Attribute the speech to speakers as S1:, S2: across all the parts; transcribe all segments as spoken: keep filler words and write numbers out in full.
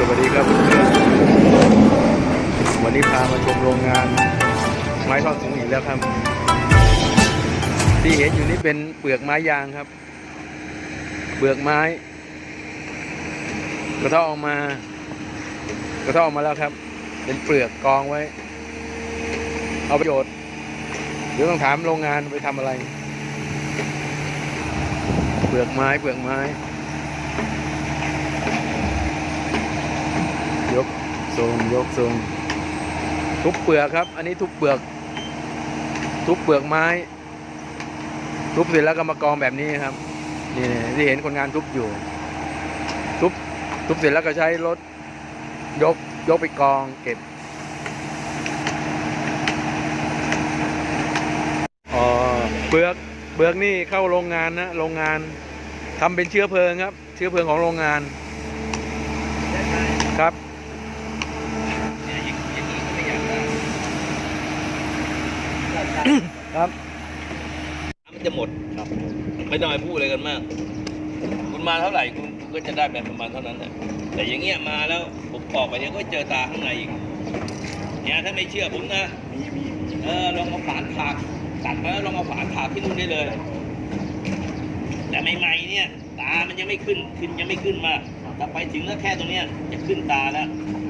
S1: วัสดีครับเพื่อนวันนี้พามาชมโรงงานไม้ทอดสูงอีกแล้วครับที่เห็นอยู่นี่เป็นเปลือกไม้ยางครับเปลือกไม้กระเทาะออกมากระเทาะออกมาแล้วครับเป็นเปลือกกองไว้เอาประโยชน์เดี๋ยวต้องถามโรงงานไปทำอะไรเปลือกไม้เปลือกไม้ยกทรงยกทรงทุบเปลือกครับอันนี้ทุบเปลือกทุบเปลือกไม้ทุบเสร็จแล้วก็มากองแบบนี้ครับนี่ที่เห็นคนงานทุบอยู่ทุบทุบเสร็จแล้วก็ใช้รถยกยกไปกองเก็บอ๋อเปลือกเปลือกนี่เข้าโรงงานนะโรงงานทำเป็นเชื้อเพลิงครับเชื้อเพลิงของโรงงานครับครับ
S2: มันจะหมดครับไม่ต้องไปพูดอะไรกันมากคุณมาเท่าไหร่คุณก็จะได้แบบประมาณเท่านั้นแหละแต่อย่างเงี้ยมาแล้วผมออกไปเดี๋ยวก็เจอตาข้างในอีกเนี่ยถ้าไม่เชื่อผมนะเออลองเอาฝานถากตัดมาแล้วลองเอาฝานถากที่นู่นได้เลยแต่ใหม่ๆเนี่ยตามันยังไม่ขึ้นขึ้นยังไม่ขึ้นมาถ้าไปถึงแล้วแค่ตรงเนี้ยจะขึ้นตาแล้ว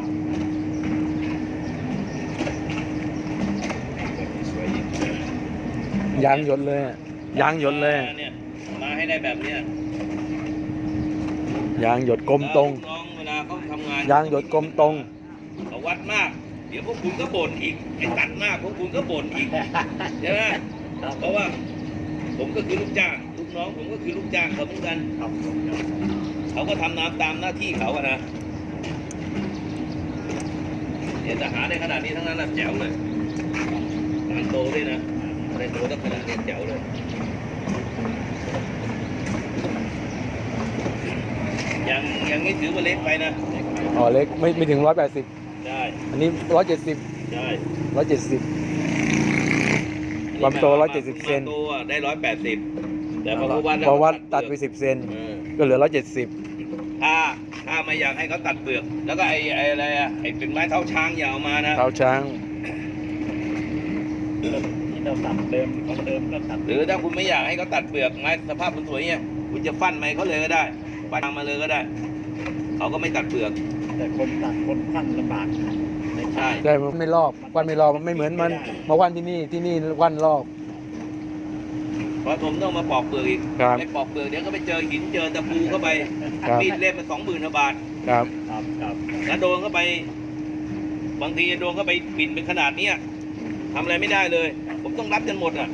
S1: ยางหยดเลยยางหยดเลย
S2: เนี่ยมาให้ได้แบบเนี้ย
S1: ยางหยดกลมตรง
S2: เวลาเขาทำงาน
S1: ยางหยดกลมตรง
S2: เขาวัดมากเดี๋ยวพวกคุณก็บ่นอีกไอ้ตัดมากพวกคุณก็บ่นอีกใช่ไหมเพราะว่าผมก็คือลูกจ้างลูกน้องผมก็คือลูกจ้างเขาเหมือนกันเขาก็ทำน้ำตามหน้าที่เขาอะนะเนี่ยจะหาได้ขนาดนี้ทั้งนั้นนะแจ๋วเลยงานโตด้วยนะในโตตั้งขนาดนี้แจ๋วเลยยังยังไม่ถือว่าเล็กไปนะ
S1: อ๋อเล็กไม่ไม่ถึงร้อยแปดสิบ
S2: ใช่
S1: อันนี้ร้อยเจ็ดสิบ
S2: ใช่
S1: ร้อยเจ็ดสิบความโตร้อยเจ็ดสิบเซน
S2: โตได้ร้อยแปดสิบแต่พอวัด
S1: พอวัดตัดไปสิบเซนก็เหลือร้อยเจ็ดสิบ
S2: ถ้าถ้าไม่อยากให้เขาตัดเปลือกแล้วก็ไอ้ไอ้อะไรอะไอ้เป็นไม้เท้าช้างอย่าเอามานะ
S1: เท้าช้าง
S2: ที่เราตัดเดิมเขาเดิมก็ตัดหรือถ้าคุณไม่อยากให้เขาตัดเปลือกไม้สภาพมันสวยเนี่ยคุณจะฟันไม้เขาเลยก็ได้ฟันมาเลยก็ได้เขาก็ไม่ตัดเปลือก
S3: แต่คนตัดคนฟันลำบาก
S2: ใช่
S1: ใช่มันไม่รอบวันไม่รอบมันไม่เหมือนมันมาวันที่นี่ที่นี่วันรอบ
S2: เพราะผมต้องมาปอกเปลือกอีกไม่ปอกเปลือกเดี๋ยวก็ไปเจอหินเจอตะปูเข้าไปมีดเล่มมันสองหมื่นบาท
S1: ครับ
S3: ครับครับ
S2: แล้วโดนเข้าไปบางทีโดนเข้าไปปิ่นเป็นขนาดนี้ทำอะไรไม่ได้เลยผมต้องรับจนหมดอ่ะ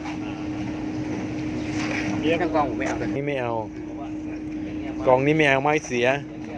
S3: เลี้ยงกองผมไม่เอา
S1: นี่ไม่เอากองนี้ไม่เอาไม้เสีย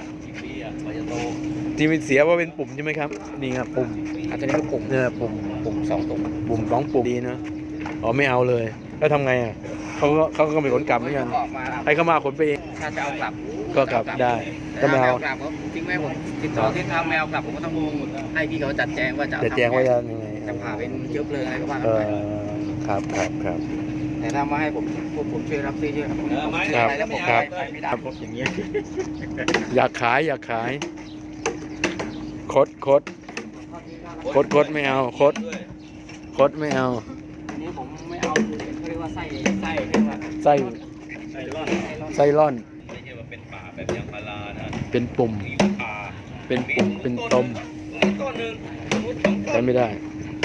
S1: ที่มันเสียว่าเป็นปุ่มใช่ไหมครับนี่ครับปุ่ม
S3: อาจจะเรียกปุ่ม
S1: เนี่ยปุ่ม
S3: ปุ่มสองตุ่ม
S1: ปุ่มสองปุ่มดีนะอ๋อไม่เอาเลยแล้วทำไงอ่ะเขาก็เขาก็ไม่ขนกลับเหมือนกันให้เขามาขนไปเอง
S3: ถ้าจะเอากลับ
S1: ก็กลับได้
S3: ถ้าไม่เอากลับผมจริงไหมผมติดต่อที่ทำไม่เอากลับผมก็ต้องให้พี่เขาจัดแจงว่าจะ
S1: จัดแจงว่าจะยังไง
S3: จะพาเป็นเชื้อเพลิงอะไรก็ว่า
S1: กันไปครับครับครับ
S3: แต่ถ้ามาให้ผมพวกผมช่วยรับซื้อช่วยครับ
S1: ครับ
S3: แล้วผม
S1: ครับ
S3: ไม่ได้ผมอย่างเงี้ย
S1: อยากขายอยากขายคดคดคดคดไม่เอาคดคดไม่เอา
S3: อันนี้ผมไม่เอาเขาเรียกว่าไส้ไส้เรียกว่า
S1: ไส้
S3: ไส้ร่อน
S1: ไส้ร่อน
S2: ไม่ใช่ว่าเป็นป่าแบบยางพารานะ
S1: เป็นปุ่มเป็นปุ่มเป็นตมใช้ไม่ได้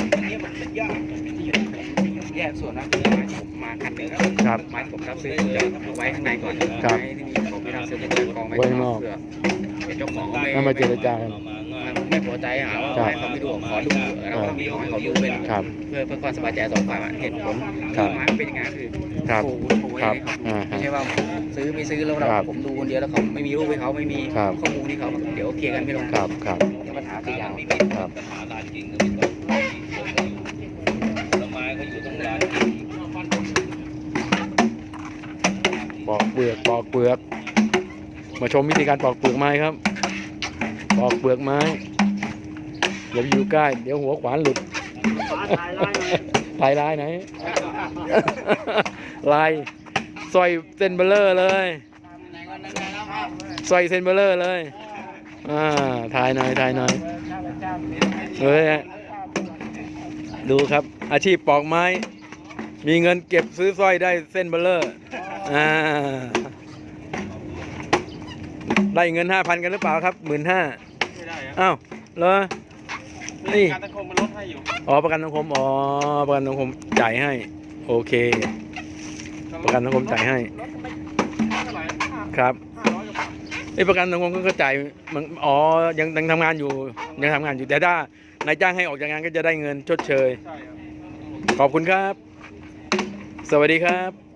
S3: แยกส่วนนะคือไม้ผมมาคันหนึ่งครับไม้ผมรับซื้อจะเอาไว้ข้างในก่อนไม้ที่มีผมไม่รับซื้อจะกองไว้ข้างนอกเพื่อเป็นเจ้าของก็
S1: ไม่มาเจรจากัน
S3: ไม่พอใจหาว่าให้เขาไม่ดูขอดูแล้วก็มีของเขาดูเป็นเพื่อเพื่อความสบายใจสองฝ่ายเหตุผลไม้เป็นยังไงคือ
S1: ครับครับ
S3: ไม่ใช่ว่าซื้อไม่ซื้อแล้วเราผมดูคนเดียวแล้วเขาไม่มีรูปให้เขาไม่มีข้อมูลที่เขาเดี๋ยวเคลียร์กันไม่ลง
S1: ครับครับ
S3: ปัญหาตียาว
S1: ครับปอกเปลือกปอกเปลือกมาชมวิธีการปอกเปลือกไม้ครับปอกเปลือกไม้อย่าอยู่ใกล้เดี๋ยวหัวขวานหลุดลายลายไหนลายซอยเซนเบลเลอร์เลยซอยเซนเบลเลอร์เลยอ่าถ่ายหน่อยถ่ายหน่อยเฮ้ยดูครับ อาชีพปอกไม้ มีเงินเก็บซื้อสร้อยได้เส้นเบลเลอร์อ่าได้เงินห้าพันกันหรือเปล่าครับหมื่นห้า
S3: ไม่ได้ครับ
S1: อ้าวเหรอนี่
S3: การสังคมมันลดให้อยู่
S1: อ๋อประกันสังคมอ๋อประกันสังคมจ่ายให้ โอเค ประกันสังคมจ่ายให้
S3: ลดไปเท่าไหร่ห้า
S1: ครับ
S3: ห้าร้อยกว่าบาท
S1: ไอ้ประกันสังคมก็จ่ายมันอ๋อยังยังทำงานอยู่ยังทำงานอยู่แต่ถ้านายจ้างให้ออกจากงานก็จะได้เงินชดเชย
S3: ใช่ครับ
S1: ขอบคุณครับ สวัสดีครับ